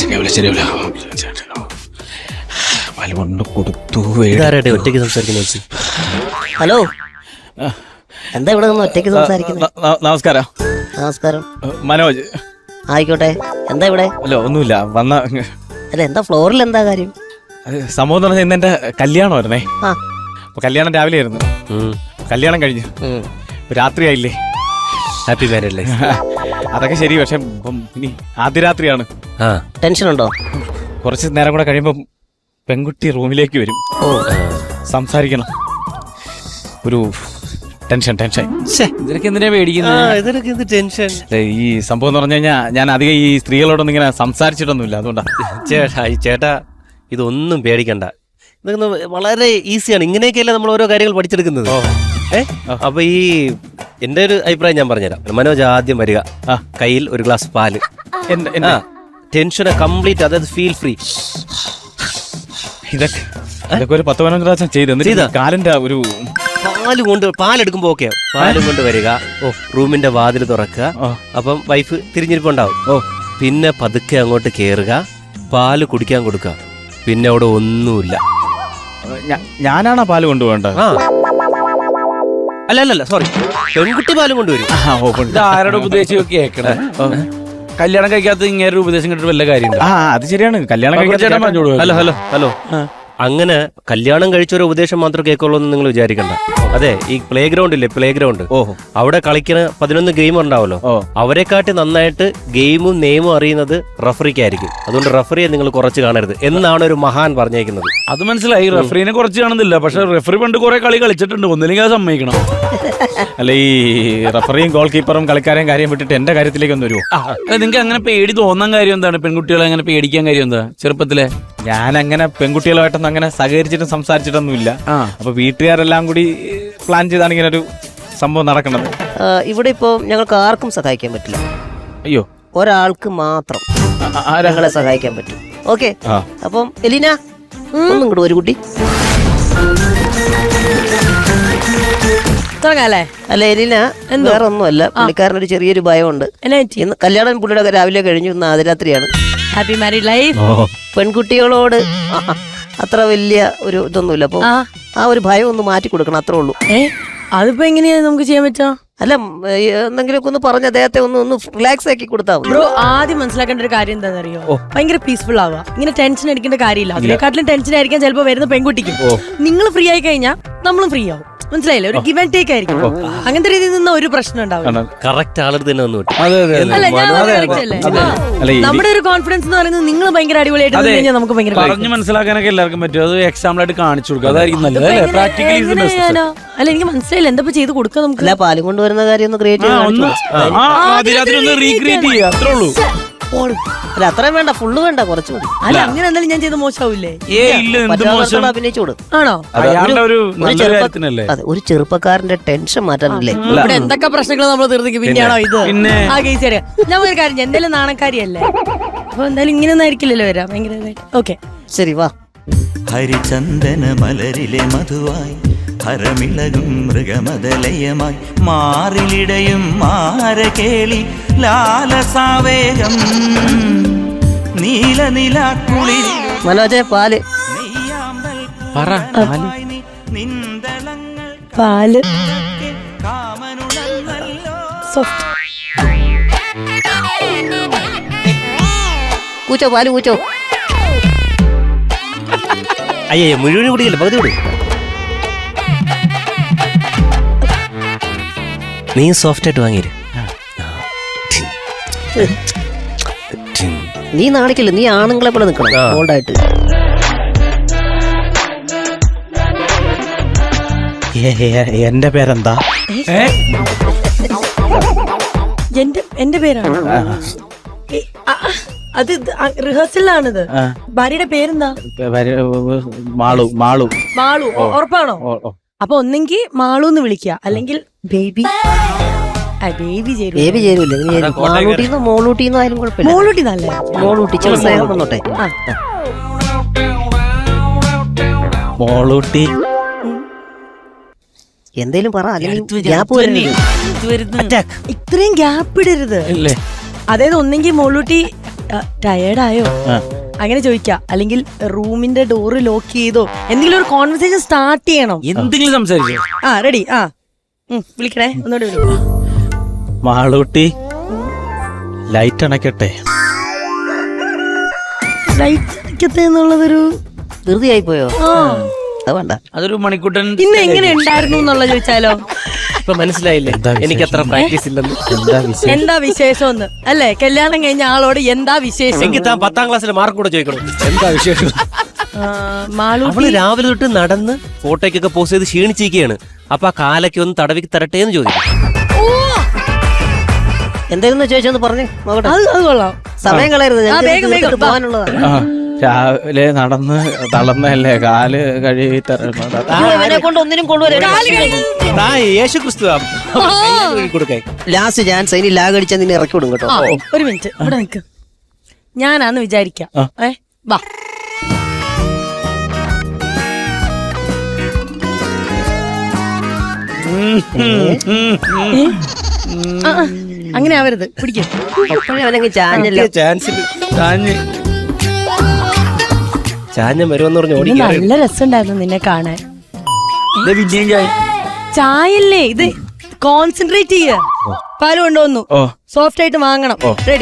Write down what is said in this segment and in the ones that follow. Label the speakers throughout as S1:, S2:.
S1: ഒറ്റയ്ക്ക് സംസാരിക്കുന്ന
S2: ഹലോ, എന്താ ഇവിടെ നിന്ന് ഒറ്റയ്ക്ക് സംസാരിക്കുന്നത്?
S3: നമസ്കാരം.
S2: നമസ്കാരം.
S3: മനോജ്.
S2: ആയിക്കോട്ടെ. എന്താ ഇവിടെ?
S3: അല്ല, ഒന്നുമില്ല.
S2: അല്ല, എന്താ ഫ്ലോറിൽ എന്താ കാര്യം?
S3: സംഭവം എന്ന് പറഞ്ഞാൽ ഇന്ന് എന്റെ കല്യാണമായിരുന്നേ. അപ്പൊ കല്യാണം രാവിലെ ആയിരുന്നു. കല്യാണം കഴിഞ്ഞു. രാത്രിയായില്ലേ?
S1: Happy marriage life.
S3: അതൊക്കെ ശരി. പക്ഷെ ഇനി ആദ്യ രാത്രിയാണ്.
S2: ടെൻഷൻ ഉണ്ടോ?
S3: കുറച്ച് നേരം കൂടെ കഴിയുമ്പോ പെൺകുട്ടി റൂമിലേക്ക് വരും. സംസാരിക്കണം. ഒരു ടെൻഷൻ.
S1: ഇതിനൊക്കെ എന്തിനാ പേടിക്കുന്നത്? ടെൻഷൻ.
S3: ഈ സംഭവം എന്ന് പറഞ്ഞു കഴിഞ്ഞാൽ ഞാൻ അധികം ഈ സ്ത്രീകളോടൊന്നും ഇങ്ങനെ സംസാരിച്ചിട്ടൊന്നുമില്ല. അതുകൊണ്ടാ.
S1: ചേട്ടാ, ഇതൊന്നും പേടിക്കണ്ട. ഇതൊക്കെ വളരെ ഈസിയാണ്. ഇങ്ങനെയൊക്കെയല്ലേ നമ്മൾ ഓരോ കാര്യങ്ങൾ പഠിച്ചെടുക്കുന്നത്. അപ്പൊ ഈ എന്റെ ഒരു അഭിപ്രായം ഞാൻ പറഞ്ഞുതരാം. മനോജ് ആദ്യം വരിക, കയ്യിൽ ഒരു ഗ്ലാസ് പാല്. ടെൻഷനെ കംപ്ലീറ്റ്, അതായത് ഫീൽ ഫ്രീ.
S3: ഇതൊക്കെ ഒരു 10-15 പ്രാവശ്യം ചെയ്ത് കാലിന്റെ ഒരു
S1: പാലെടുക്കുമ്പോ ഓക്കെ, പാലും കൊണ്ട് വരിക. റൂമിന്റെ വാതിൽ തുറക്കുക. അപ്പം വൈഫ് തിരിഞ്ഞിരിപ്പുണ്ടാവും. പിന്നെ പതുക്കെ അങ്ങോട്ട് കേറുക, പാല് കുടിക്കാൻ കൊടുക്കുക. പിന്നെ അവിടെ ഒന്നുമില്ല.
S3: ഞാനാണോ പാല് കൊണ്ടുപോകേണ്ടത്?
S1: അല്ല, സോറി, പെൺകുട്ടി പാലും കൊണ്ടുവരും.
S4: ആരുടെ ഉപദേശം ഒക്കെ കേൾക്കണേ? കല്യാണം കഴിക്കാത്ത ഇങ്ങനെ ഒരു ഉപദേശം കിട്ടിട്ട് വല്ല കാര്യം?
S3: അത് ശരിയാണ്. കല്യാണം
S1: കഴിക്കാൻ ഹലോ അങ്ങനെ കല്യാണം കഴിച്ച ഒരു ഉപദേശം മാത്രം കേൾക്കുള്ളൂ എന്ന് നിങ്ങൾ വിചാരിക്കണ്ട. അതെ, ഈ പ്ലേ ഗ്രൗണ്ട് ഇല്ലേ, പ്ലേ ഗ്രൗണ്ട്, അവിടെ കളിക്കുന്ന 11 ഗെയിമർ ഉണ്ടാവല്ലോ. അവരെക്കാട്ടി നന്നായിട്ട് ഗെയിമും നെയിമും അറിയുന്നത് റഫറിക്കായിരിക്കും. അതുകൊണ്ട് റഫറിയെ നിങ്ങൾ കുറച്ച് കാണരുത് എന്നാണ് ഒരു മഹാൻ പറഞ്ഞേക്കുന്നത്.
S4: അത് മനസ്സിലായി. റഫറിനെ കുറച്ച് കാണുന്നില്ല. പക്ഷെ റഫറി പണ്ട് കുറെ കളി കളിച്ചിട്ടുണ്ട്. ഒന്നില്ലെങ്കിൽ അത് സമ്മതിക്കണം.
S3: അല്ല, ഈ റഫറിയും ഗോൾ കീപ്പറും കളിക്കാരെയും കാര്യം വിട്ടിട്ട് എന്റെ കാര്യത്തിലേക്ക് ഒന്ന് വരുമോ?
S4: നിങ്ങൾക്ക് അങ്ങനെ പേടി തോന്നാൻ കാര്യം എന്താണ്? പെൺകുട്ടികളെ അങ്ങനെ പേടിക്കാൻ കാര്യം എന്താ? ചെറുപ്പത്തിലെ
S3: ഞാൻ അങ്ങനെ പെൺകുട്ടികളുമായിട്ടൊന്നും അങ്ങനെ സഹകരിച്ചിട്ടും സംസാരിച്ചിട്ടൊന്നുമില്ല. അപ്പൊ വീട്ടുകാരെല്ലാം കൂടി പ്ലാൻ ചെയ്താണ് ഇങ്ങനെ ഒരു സംഭവം നടക്കുന്നത്.
S2: ഇവിടെ ഇപ്പോ ഞങ്ങൾക്ക് ആർക്കും സഹായിക്കാൻ പറ്റില്ല.
S3: അയ്യോ,
S2: ഒരാൾക്ക് മാത്രം ഞങ്ങളെ സഹായിക്കാൻ പറ്റും. ഓക്കെ, അപ്പം എലീന ഒന്നും കൂടെ ഒരു കുട്ടി. അല്ല എലീന, വേറെ ഒന്നുമല്ല, പുള്ളിക്കാരനൊരു ചെറിയൊരു ഭയമുണ്ട്. ഇന്ന് കല്യാണം പുള്ളിയുടെ രാവിലെ കഴിഞ്ഞു, ഇന്ന് ആദ്യരാത്രിയാണ്.
S5: Happy married life.
S2: പെൺകുട്ടികളോട് അത്ര വലിയ ഒരു ഇതൊന്നുമില്ല. അപ്പൊ ആ ഒരു ഭയം ഒന്ന് മാറ്റി കൊടുക്കണം, അത്രേ ഉള്ളൂ.
S5: അതിപ്പോ എങ്ങനെയാ നമുക്ക് ചെയ്യാൻ പറ്റാ?
S2: അല്ല, എന്തെങ്കിലുമൊക്കെ ഒന്ന് പറഞ്ഞ് അദ്ദേഹത്തെ ഒന്ന് റിലാക്സ് ആക്കി കൊടുത്താൽ
S5: ബ്രോ. ആദ്യം മനസ്സിലാക്കേണ്ട ഒരു കാര്യം എന്താണെന്നറിയോ? ഭയങ്കര പീസ്ഫുൾ ആവുക. ഇങ്ങനെ ടെൻഷൻ അടിക്കേണ്ട കാര്യമില്ല. അതിനെക്കാട്ടിലും ടെൻഷൻ ആയിരിക്കാൻ ചിലപ്പോ വരുന്ന പെൺകുട്ടിക്കും. നിങ്ങൾ ഫ്രീ ആയി കഴിഞ്ഞാൽ നമ്മളും ഫ്രീ ആവും. മനസ്സിലായില്ലേ? ഒരു ഗിവ് ആൻഡ് ടേക്ക് ആയിരിക്കും. അങ്ങനത്തെ രീതിയിൽ നിന്ന് ഒരു പ്രശ്നം ഉണ്ടാവില്ല.
S1: കറക്റ്റ് ആളത് തന്നെ വന്നു.
S5: നമ്മുടെ ഒരു കോൺഫിഡൻസ് എന്ന് പറയുന്നത് നിങ്ങൾ ഭയങ്കര അടിപൊളിയായിട്ട് നമുക്ക് ഭയങ്കര
S4: പറഞ്ഞു മനസ്സിലാക്കാനൊക്കെ എല്ലാവർക്കും പറ്റും. അത് എക്സാമ്പിൾ ആയിട്ട് കാണിച്ചു കൊടുക്കുക. അതായിരിക്കും നല്ലത്.
S5: അല്ല, എനിക്ക് മനസ്സിലായില്ല എന്താ ചെയ്ത് കൊടുക്കുക നമുക്ക്.
S2: അല്ല, പാലും കൊണ്ടുവരുന്ന കാര്യം ഒന്ന് ക്രിയേറ്റ്
S4: ചെയ്യാം, അത്രേ ഉള്ളൂ.
S2: അല്ല, അത്രയും വേണ്ട, ഫുള്ള് വേണ്ട, കുറച്ച് മതി.
S5: അല്ല, അങ്ങനെ എന്തായാലും ഞാൻ ചെയ്ത് മോശമാവില്ലേ?
S2: അഭിനയിച്ചോട്.
S5: ആണോ?
S2: അതെ, ഒരു ചെറുപ്പക്കാരന്റെ ടെൻഷൻ മാറ്റാനല്ലേ.
S5: ഇവിടെ എന്തൊക്കെ പ്രശ്നങ്ങൾ നമ്മൾ തീർന്നെങ്കിൽ പിന്നെയാണോ ഇത്? ആ കേസ് അറിയാം. ഞാൻ ഒരു കാര്യം, എന്തായാലും നാണക്കാരിയല്ലേ, അപ്പൊ എന്തായാലും ഇങ്ങനെയൊന്നും ആയിരിക്കില്ലല്ലോ വരാം. ഭയങ്കര ഓക്കെ, ശരി, വാ.
S6: ഹരിചന്ദന മലരിലെ മധുവായി ഹരമിളകും മൃഗമതലയമായി മാറിലിടയും മാരകേളി ലാലസാവേഗം നീലനിലാക്കുളിൽ
S2: മനോജെ, പാല്.
S5: പാല്
S2: കൂച്ചോ, പാല് കൂച്ചോ.
S1: അയ്യേ, മുഴുവൻ കുടിക്കല്ലേ, പകുതി കൂടി. നീ സോഫ്റ്റ് ആയിട്ട് വാങ്ങിയിരു.
S2: നീ നാണിക്കില്ല, നീ ആണുങ്ങളെ പോലെ നിൽക്കണം, ബോൾഡായിട്ട്.
S3: എന്റെ പേരെന്താ?
S5: എന്റെ പേരാണ് അത്. റിഹേഴ്സലാണിത്. ഭാര്യയുടെ പേരെന്താ?
S3: മാളു.
S5: മാളു, ഉറപ്പാണോ? അപ്പൊ ഒന്നെങ്കിൽ മാളു എന്ന് വിളിക്കുക, അല്ലെങ്കിൽ ബേബി. ബേബി
S2: ചേരൂല. മാളൂട്ടിന്നോ മോളൂട്ടിന്നോ ആയാലും കുഴപ്പമില്ല.
S5: മോളൂട്ടി നല്ല
S2: മോളൂട്ടി ചെറുസ്നേഹം വന്നോട്ടെ.
S3: മോളൂട്ടി
S2: എന്തേലും പറ.
S5: ഇത്രയും ഗ്യാപ്പ് ഇടരുത്. അതായത് ഒന്നെങ്കിൽ മോളൂട്ടി ടയേർഡായോ അങ്ങനെ ചോദിക്കാം. അല്ലെങ്കിൽ റൂമിന്റെ ഡോറ് ലോക്ക് ചെയ്തോ എന്തെങ്കിലും ഒരു കോൺവെർസേഷൻ സ്റ്റാർട്ട് ചെയ്യണം.
S4: എന്തെങ്കിലും സംസാരിച്ചു.
S5: റെഡി. വിളിക്കണേ, ഒന്നുകൂടെ വിളിക്കും.
S3: മാളൂട്ടി ലൈറ്റ് അണയ്ക്കട്ടെ.
S5: ലൈറ്റ് അടിക്കത്തെ എന്നുള്ളതൊരു
S2: ധൃതിയായി പോയോ? അത് വേണ്ട.
S4: അതൊരു മണിക്കൂട്ടൻ.
S5: ഇന്ന് എങ്ങനെ ഉണ്ടായിരുന്നു എന്നുള്ള ചോദിച്ചാലോ?
S1: ഇപ്പൊ മനസ്സിലായില്ലേ എനിക്ക് അത്ര പ്രാക്ടീസ് ഇല്ലെന്ന്.
S5: എന്താ വിശേഷം ഒന്ന് അല്ലേ? കല്യാണം കഴിഞ്ഞ ആളോട് എന്താ വിശേഷം?
S1: എനിക്ക് താൻ 10ാം ക്ലാസ്സിലെ മാർക്ക് കൂടെ ചോദിക്കണം.
S3: എന്താ വിശേഷം?
S1: അവള് രാവിലെ തൊട്ട് നടന്ന് ഫോട്ടോയ്ക്കൊക്കെ പോസ്റ്റ് ചെയ്ത് ക്ഷീണിച്ചിരിക്കുകയാണ്. അപ്പൊ ആ കാലൊക്കെ ഒന്ന് തടവി തരട്ടെ എന്ന് ചോദിക്കും.
S2: എന്തായിരുന്നു ചോദിച്ചെന്ന് പറഞ്ഞു നോക്കട്ടെ.
S5: അത് കൊള്ളാം.
S2: സമയം കളയരുത്,
S5: വേഗം, വേഗം.
S2: പോകാനുള്ളതാണ്.
S3: രാവിലെ നടന്ന് തളർന്നല്ലേ, കാല് കഴുകി
S2: ഇവനെ കൊണ്ട് ഒന്നിനും
S1: യേശു ക്രിസ്തു കൊടുക്കേ.
S2: ലാസ്റ്റ് ചാൻസ്, ഇനി ലാഗ് അടിച്ചാൽ നിന്നെ ഇറക്കി വിടും കേട്ടോ.
S5: ഒരു മിനിറ്റ് ഇവിടെ നിൽക്ക്. ഞാനാന്ന് വിചാരിക്കാം. വാ. അങ്ങനെ ആവരുത്, പിടിക്കും.
S2: അപ്പോഴേ അവനങ്ങ് ചാഞ്ഞല്ല.
S1: ചാഞ്ഞ വരുമെന്ന് പറഞ്ഞ് ഓടി.
S5: നല്ല രസമുണ്ടായിരുന്നു നിന്നെ കാണാൻ. ചായല്ലേ ഇത്, കോൺസെൻട്രേറ്റ് ചെയ്യ. പാല് കൊണ്ടുവന്നു, സോഫ്റ്റ് ആയിട്ട് വാങ്ങണം. റെഡി.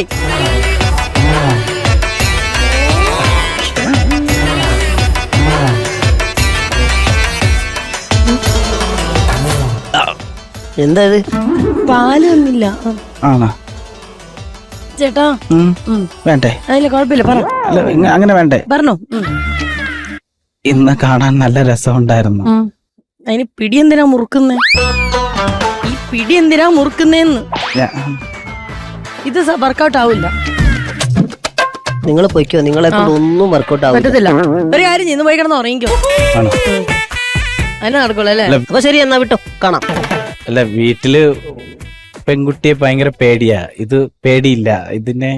S2: എന്താ ഇത്?
S5: പാല് ഒന്നില്ല.
S3: ആണോ
S5: ചേട്ടാ?
S3: വേണ്ടേ?
S5: അതില്ല, കുഴപ്പമില്ല, പറ.
S3: അങ്ങനെ വേണ്ടേ?
S5: പറഞ്ഞോ.
S3: ഇന്ന് കാണാൻ നല്ല രസമുണ്ടായിരുന്നു.
S5: അതിന് പിടി എന്തിനാ മുറുക്കുന്നേ? ഈ പിടി എന്തിനാ മുറുക്കുന്നേന്ന്? ഇത് വർക്കൗട്ട് ആവില്ല.
S2: നിങ്ങൾ പൊയ്ക്കോ, നിങ്ങളെ കൊണ്ട് ഒന്നും വർക്കൗട്ട് ആവില്ല.
S5: പറ്റത്തില്ല. ഒരു കാര്യം ചെയ്യുന്നു, പോയി കിടന്ന് ഉറങ്ങിക്കോ. അതിനെ നടക്കുള്ളൂ അല്ലേ?
S2: അപ്പൊ ശരി, എന്നാ വിട്ടോ, കാണാം.
S3: അല്ല, വീട്ടില് പെൺകുട്ടിയെ ഭയങ്കര പേടിയാ. ഇത് പേടിയില്ല ഇതിനെ.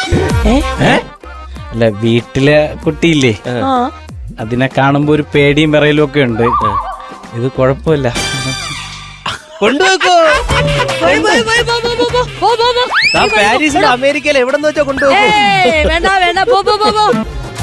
S3: അല്ല, വീട്ടിലെ കുട്ടിയില്ലേ, അതിനെ കാണുമ്പോ ഒരു പേടിയും വിറയലും ഒക്കെ ഉണ്ട്. ഇത് കുഴപ്പമില്ല.
S1: കൊണ്ടുപോക്കോ. പാരീസിലും അമേരിക്കയിലും എവിടെ വെച്ചാ കൊണ്ടുപോകും.
S5: വേണ്ട വേണ്ട, പോ.